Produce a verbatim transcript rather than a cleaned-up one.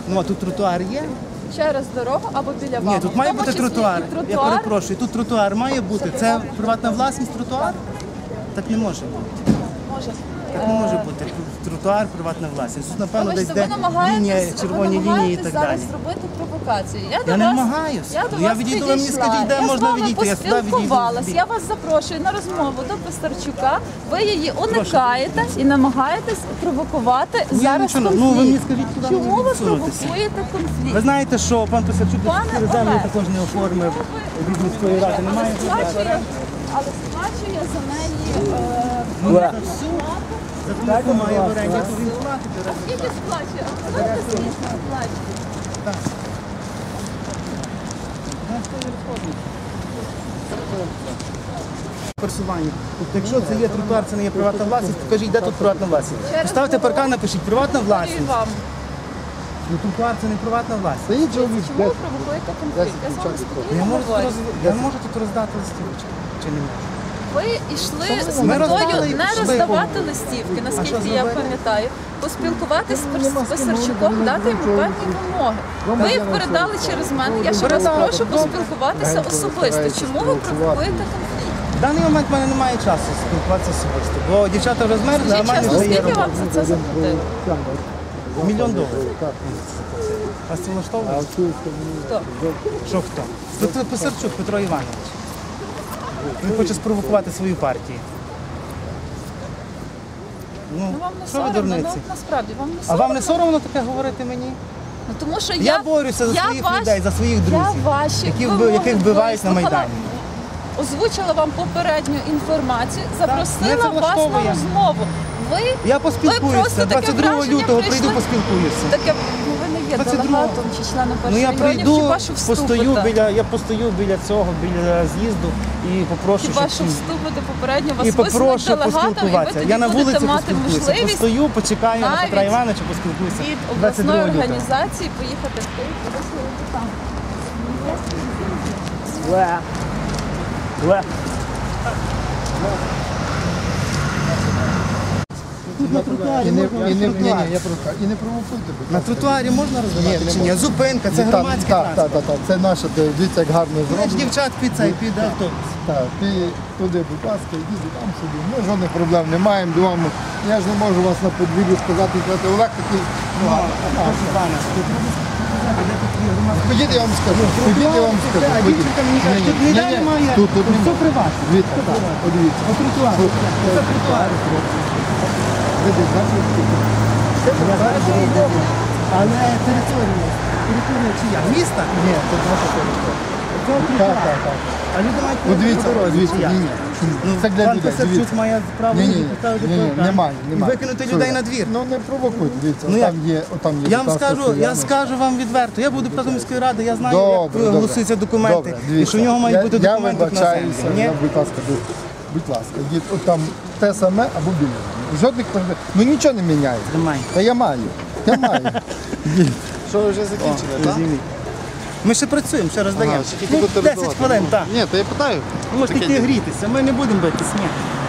Ну, а тут тротуар є? Через дорогу або біля вами. Ні, тут має бути тротуар. Я тротуар. перепрошую, тут тротуар має бути. Це приватна власність тротуар? Так не може бути. Може. Так не може бути. Тротуар, приватна власність. Тут, напевно, десь Вибачте, де ви намагаєтесь- лінія, червоні ви лінії і намагаєтесь так далі. зараз зробити провокацію. Я, до Я не вас, намагаюся. Я, до Ну, я вас відійду, ви мені підійшла. скажіть, де я можна з вами відійти, я сюди відійду. поспілкувалась. Я вас запрошую на розмову до Писарчука. Ви її уникаєте і намагаєтесь провокувати Ні, зараз нічого, конфлікт. ну, ви мені скажіть, куди Чому мені ви відсунутися? провокуєте конфлікт? Ви знаєте, що пан Писарчук Пане землю Олег, також не оформив від міської ради. Немає Сплачує, але сплачує за неї Ну, е, Закону має в оренді, то він платить. скільки сплачує? А знаєте, скільки сплачує? Персування. Тобто, якщо це є тротуар, це не є приватна власність, то кажіть, де тут приватна власність. Поставте паркан, напишіть приватна І власність. вам. Ну тротуар це не приватна власність. Стоїть чоловік, Чому ви провокуєте конфлікт? Я з вами спокійно Я можу тут говорю. роз- я можу тут роздати листівочки? Чи не можу? Ви йшли з Ми роздали метою і не пішли. роздавати листівки, наскільки я зробити? пам'ятаю, поспілкуватись з Пис- Писарчуком, дати йому певні вимоги. Ви їх передали через мене. Я ще раз Передали. прошу поспілкуватися особисто. Чому ви провокуєте конфлікт? В даний момент в мене немає часу спілкуватися особисто, бо дівчата вже змерзли, а в Скажіть мене чесно, вже є скільки робота. вам за це заплатили? Мільйон доларів. Вас це влаштовує? Хто? Що хто? Це Писарчук Петро Іванович. Він хоче спровокувати свою партію. Ну, Ну вам не що ви соромно, дурниці? ну насправді вам не А соромно. вам не соромно таке говорити мені? Ну, тому що Я, я, борюся за я своїх ваш- людей, за своїх друзів, Я ваші які вби- вимоги яких вбивають на вислухала, Майдані. Озвучила вам попередню інформацію, Мене запросила це вас на влаштовує. розмову. Ви, Я ви просто поспілкуюся, таке двадцять другого враження лютого прийшли. прийду поспілкуюся. Таке, ну ви не є двадцять другого. делегатом чи членом Ну першої я регіонів, прийду, хіба що постою вступите. біля, я постою біля цього, біля з'їзду і попрошу, Хіба що щоб вступите попередньо вас і висунуть попрошу делегатом, і ви поспілкуватися. тоді Я на будете вулиці мати поспілкуюся. можливість Постою, почекаю на навіть Петра Івановича, поспілкуюся. від двадцять обласної другого лютого. організації поїхати в Київ і висловити там. Ле. Ле. Тут на тротуарі І не, можна і не, на ні, ні, тротуарі. я просто кажу, і не провокуйте, будь На ласка. тротуарі можна роздавати Ні, не чи ні? можна. Зупинка, це Там- громадський так, так, транспорт. так, так, це наше, дивіться, як гарно Знаєш, зроблено. дівчат під цей, під автобус. Так, ти туди, будь ласка, йдіть там собі. Ми жодних проблем не маємо вдома. Я ж не можу вас на подвір'ї сказати, що Олег такий. Ну, а, а, Прошу пана, тут треба сказати, де тут є громадський Ходіть, я вам скажу. Ходіть, я вам скажу. А Ходіть. дівчинка мені каже, Ні, тут ні, ніде ні, немає. Тут, тут Тут все немає. приватне. Дивіться, так, подивіться. По тротуару. Це тротуар. Видите, бачите? Це Я знаю, що є добре. Але територія, територія чия? Міста? Ні, це наша територія. Це Так, тротуар. так, так. А люди мають Ну дивіться, по дорозі, дивіться, чи як? ні, ні. Ну, Це для пан людей, Писарчук дивіться. має право Ні, ні, поставити ні, ні, паркан немає, немає. і викинути Що людей ви? на двір. Ну не провокуйте, дивіться, Ну, там є, отам є. Я вам депутатська скажу, я стоянка. скажу вам відверто. Я був депутатом міської ради, я знаю, Добре, як добре. голосуються документи. Добре, І дивіться. що в нього мають Я- бути Я документи на вибачаюся, землю. Ні? я, будь ласка, будь, будь ласка, йдіть, от там те саме або біля. Жодних проблем. Ну нічого не міняється. Немає. Та я маю. Я маю. Йдіть. Що ви вже закінчили, так? Розумію. Ми ще працюємо, ще роздаємо. Ага, ще тільки Ну, будете десять роздавати. хвилин, так. Ні, то я питаю. Ви можете Таке йти діло. грітися, ми не будемо битись, ні.